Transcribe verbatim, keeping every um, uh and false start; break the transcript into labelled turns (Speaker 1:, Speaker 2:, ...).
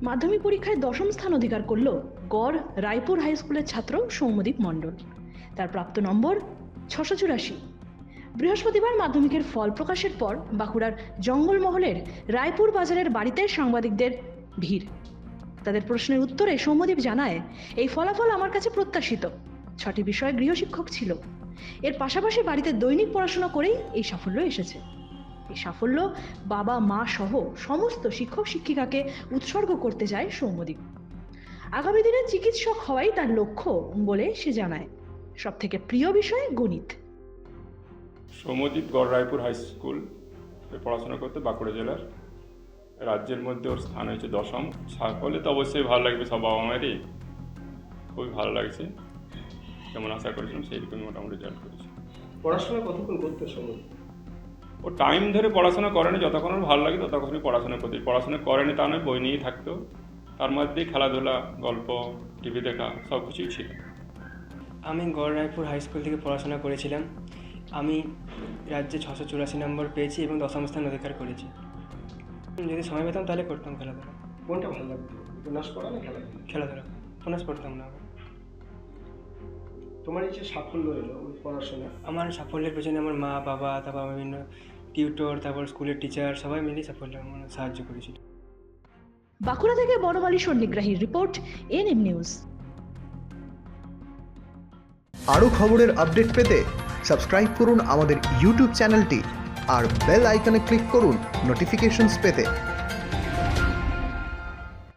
Speaker 1: মাধ্যমিক পরীক্ষায় দশম স্থান অধিকার করল গড় রায়পুর হাই স্কুলের ছাত্র সৌম্যদীপ মণ্ডল। তার প্রাপ্ত নম্বর ছশো চুরাশি। বৃহস্পতিবার মাধ্যমিকের ফল প্রকাশের পর বাঁকুড়ার জঙ্গলমহলের রায়পুর বাজারের বাড়িতে সাংবাদিকদের ভিড়। তাদের প্রশ্নের উত্তরে সৌম্যদীপ জানায়, এই ফলাফল আমার কাছে প্রত্যাশিত। ছটি বিষয়ে গৃহশিক্ষক ছিল। এর পাশাপাশি বাড়িতে দৈনিক পড়াশোনা করেই এই সাফল্য এসেছে। এই সাফল্য বাবা মা সহ সমস্ত শিক্ষক শিক্ষিকাকে উৎসর্গ করতে চায় সৌম্যদীপ। আগামী দিনে চিকিৎসক হওয়াই তার লক্ষ্য বলে সে জানায়। সব থেকে প্রিয় বিষয় গণিত।
Speaker 2: সৌম্যদীপ গড় রায়পুর হাই স্কুল পড়াশোনা করতে বাঁকুড়া জেলার, রাজ্যের মধ্যে ওর স্থান হয়েছে দশম। সাফল্যে তো অবশ্যই ভালো লাগবে, সব বাবা মায়েরই খুবই ভালো লাগছে। যেমন আশা করেছিলাম সেই রকমই মোটামুটি রেজাল্ট করেছে।
Speaker 3: পড়াশোনা কতক্ষণ করতে সময়?
Speaker 2: ও টাইম ধরে পড়াশোনা করেনি, যতক্ষণ ওর ভালো লাগে ততক্ষণই পড়াশোনা করতে। পড়াশোনা করেনি তা নয়, বই নিয়েই থাকতো। তার মধ্যেই খেলাধুলা, গল্প, টিভি দেখা সব কিছুই ছিল।
Speaker 4: আমি গড় রায়পুর হাই স্কুল থেকে পড়াশোনা করেছিলাম। আমি রাজ্যে ছশো চুরাশি নম্বর পেয়েছি এবং দশম স্থান অধিকার করেছি। যদি সময় পেতাম তাহলে করতাম খেলাধুলা।
Speaker 3: কোনটা ভালো লাগতো, উপন্যাস পড়া না খেলাধুলা?
Speaker 4: খেলাধুলা উপন্যাস পড়তাম না।
Speaker 3: তোমার এই যে সাফল্য এলো ওই পড়াশোনা,
Speaker 4: আমার সাফল্যের পেছনে আমার মা বাবা, তারপর বিভিন্ন টিউটর, তারপর স্কুলের টিচার সবাই মিলে সাফল্য মানে সাহায্য করেছিল।
Speaker 1: বাঁকুড়া থেকে বনমালী সন্নিগ্রাহীর রিপোর্ট, এনএম নিউজ।
Speaker 5: আরও খবরের আপডেট পেতে সাবস্ক্রাইব করুন আমাদের ইউটিউব চ্যানেলটি আর বেল আইকনে ক্লিক করুন নোটিফিকেশনস পেতে।